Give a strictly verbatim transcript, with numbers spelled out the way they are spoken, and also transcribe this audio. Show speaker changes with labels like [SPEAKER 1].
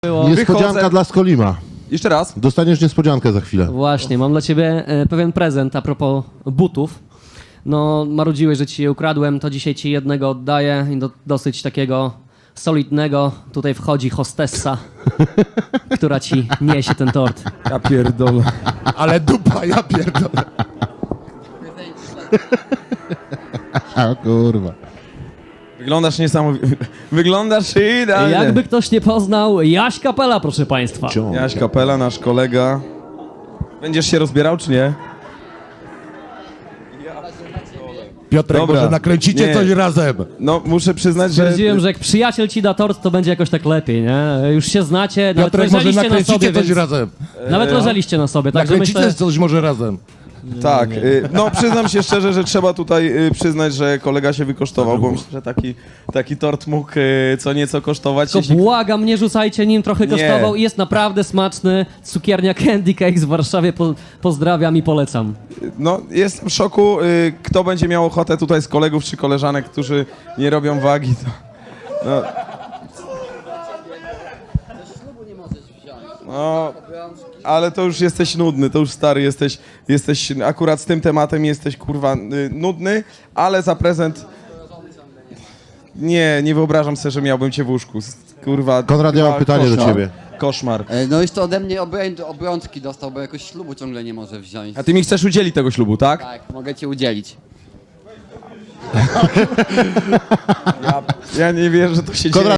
[SPEAKER 1] Było.
[SPEAKER 2] Niespodzianka
[SPEAKER 3] Wychodzę.
[SPEAKER 2] dla Skolima.
[SPEAKER 3] Jeszcze raz.
[SPEAKER 2] Dostaniesz niespodziankę za chwilę.
[SPEAKER 1] Właśnie, mam dla ciebie e, pewien prezent a propos butów. No, marudziłeś, że ci je ukradłem, to dzisiaj ci jednego oddaję i do, dosyć takiego solidnego. Tutaj wchodzi hostessa, która ci niesie ten tort.
[SPEAKER 3] Ja pierdolę.
[SPEAKER 4] Ale dupa, ja pierdolę.
[SPEAKER 2] A kurwa.
[SPEAKER 3] Wyglądasz niesamowicie. Wyglądasz idealnie.
[SPEAKER 1] Jakby ktoś nie poznał, Jaś Kapela, proszę państwa.
[SPEAKER 2] Ciąg.
[SPEAKER 3] Jaś Kapela, nasz kolega. Będziesz się rozbierał, czy nie?
[SPEAKER 4] Piotrek,
[SPEAKER 3] Dobra.
[SPEAKER 4] może nakręcicie
[SPEAKER 3] Nie.
[SPEAKER 4] coś razem?
[SPEAKER 3] No, muszę przyznać, że...
[SPEAKER 1] Stwierdziłem, że jak przyjaciel ci da tort, to będzie jakoś tak lepiej, nie? Już się znacie, nawet
[SPEAKER 4] Piotrek, może
[SPEAKER 1] leżeliście na
[SPEAKER 4] nakręcicie
[SPEAKER 1] sobie,
[SPEAKER 4] coś
[SPEAKER 1] więc...
[SPEAKER 4] razem?
[SPEAKER 1] Nawet leżeliście na sobie, także
[SPEAKER 4] Nakręcicie
[SPEAKER 1] myślę...
[SPEAKER 4] coś może razem?
[SPEAKER 3] Tak, y, no przyznam się szczerze, że trzeba tutaj y, przyznać, że kolega się wykosztował, bo myślę, że taki, taki tort mógł y, co nieco kosztować.
[SPEAKER 1] Tylko
[SPEAKER 3] Jeśli...
[SPEAKER 1] błagam, nie rzucajcie nim, trochę
[SPEAKER 3] Nie.
[SPEAKER 1] kosztował i jest naprawdę smaczny. Cukiernia Candy Cakes w Warszawie, po, pozdrawiam i polecam.
[SPEAKER 3] No, jestem w szoku. Y, kto będzie miał ochotę tutaj z kolegów czy koleżanek, którzy nie robią wagi, to... No, no, ale to już jesteś nudny, to już stary jesteś, jesteś akurat z tym tematem jesteś kurwa y, nudny, ale za prezent... Nie, nie wyobrażam sobie, że miałbym cię w łóżku. Kurwa.
[SPEAKER 2] Konrad, ja mam
[SPEAKER 3] a,
[SPEAKER 2] pytanie do
[SPEAKER 3] koszmar.
[SPEAKER 2] ciebie.
[SPEAKER 3] Koszmar.
[SPEAKER 5] E, No jeszcze ode mnie obrę- obrączki dostał, bo jakoś ślubu ciągle nie może wziąć.
[SPEAKER 3] A ty mi chcesz udzielić tego ślubu, tak?
[SPEAKER 5] Tak, mogę ci udzielić.
[SPEAKER 3] Ja, ja nie wierzę, że to się
[SPEAKER 2] Konrad,
[SPEAKER 3] dzieje.